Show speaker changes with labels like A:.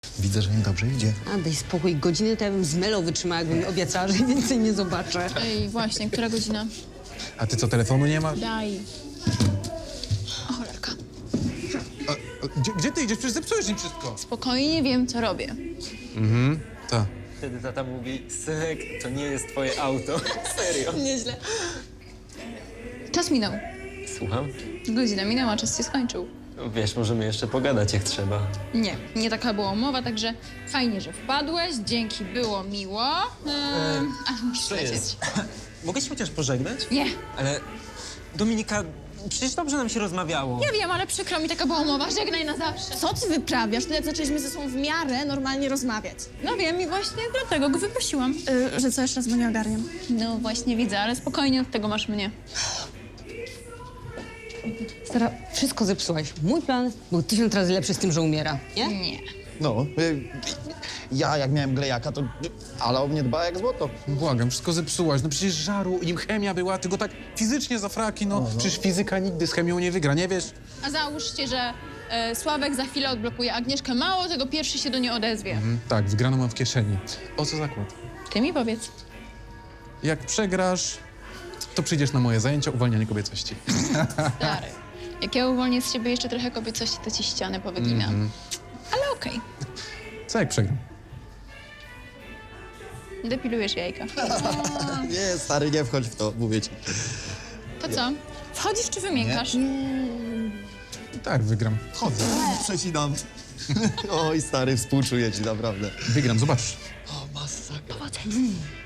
A: Widzę, że im dobrze idzie.
B: A daj spokój, godzinę to ja bym z Melą wytrzymała, jakbym mi obiecała, że więcej nie zobaczę.
C: Ej, właśnie, która godzina?
D: A ty co, telefonu nie masz?
C: Daj. O, cholerka.
D: Gdzie ty idziesz? Przecież zepsujesz im wszystko.
C: Spokojnie wiem, co robię.
D: Tak.
E: Wtedy tata mówi, synek, to nie jest twoje auto. Serio.
C: Nieźle. Czas minął.
E: Słucham?
C: Godzina minęła, czas się skończył.
E: Wiesz, możemy jeszcze pogadać jak trzeba.
C: Nie taka była umowa, także fajnie, że wpadłeś, dzięki, było miło. Ale musisz lecieć.
E: Mogę się chociaż pożegnać?
C: Nie,
E: Ale Dominika, przecież dobrze nam się rozmawiało.
C: nie wiem, ale przykro mi, taka była umowa, żegnaj na zawsze.
F: Co ty wyprawiasz? Tyle zaczęliśmy ze sobą w miarę normalnie rozmawiać.
C: No wiem i właśnie dlatego go wyprosiłam.
F: Że co, jeszcze raz go nie ogarniam.
C: No właśnie widzę, ale spokojnie, od tego masz mnie.
B: Stara, wszystko zepsułaś. Mój plan był 1000 razy lepszy z tym, że umiera, nie?
C: Nie.
A: No, ja jak miałem glejaka, to ale o mnie dba jak złoto.
D: Błagam, wszystko zepsułaś. No przecież żaru, nim chemia była, ty go tak fizycznie za fraki, no. Przecież fizyka nigdy z chemią nie wygra, nie wiesz?
C: A załóżcie, że Sławek za chwilę odblokuje Agnieszkę mało, tego pierwszy się do niej odezwie.
D: Tak, wygraną mam w kieszeni. O co zakład?
C: Ty mi powiedz.
D: Jak przegrasz, to przyjdziesz na moje zajęcia uwalnianie kobiecości.
C: Stary, jak ja uwolnię z siebie jeszcze trochę kobiecości, to ci ścianę powyginam. Ale okej.
D: Co jak przegram?
C: Depilujesz jajka.
A: Nie, stary, nie wchodź w to, mówię ci.
C: To co? Wchodzisz czy wymiękasz?
D: Tak, wygram. Chodzę.
A: Przecinam. Oj, stary, współczuję ci, naprawdę.
D: Wygram, zobacz.
A: O, masakra.